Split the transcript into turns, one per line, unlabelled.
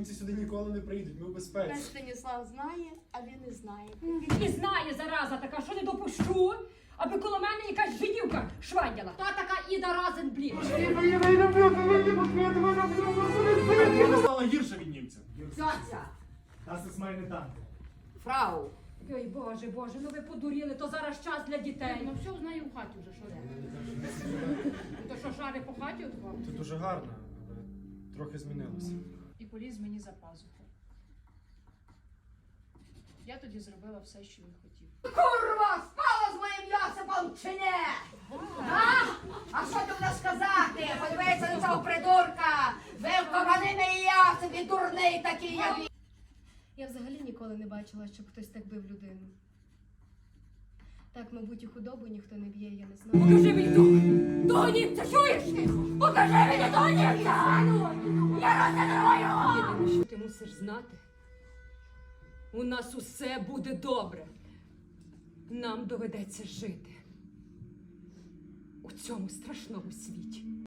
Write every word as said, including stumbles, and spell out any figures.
німці сюди ніколи не приїдуть, ми в безпеці.
Наш Станіслав знає, а він не знає.
І знає, зараза така, що не допущу, аби коло мене якась жидівка швадяла. Та така Іда Разенбліт.
Вона стала гірше від німця.
Цяця.
Нас це має не так.
Фрау. Ой, Боже, Боже, ну ви подуріли, то зараз час для дітей. Ну все знаю в хаті вже, що де. То що, шари по хаті от вам?
Це дуже гарно, але трохи змінилося.
І поліз мені за пазуху. Я тоді зробила все, що він хотів.
Курва, спала з моїм Йосипом чи ні? А? А що ти будеш сказати? Подивися на цього придурка! Вивкований мій Йосип і дурний такий, як він!
Я взагалі ніколи не бачила, щоб хтось так бив людину. Так, мабуть, і худобу ніхто не б'є, я не знаю.
Покажи мені того! Того німця, чуєш? Покажи мені того німця! Я розіграю! Що ти мусиш знати? У нас усе буде добре. Нам доведеться жити у цьому страшному світі.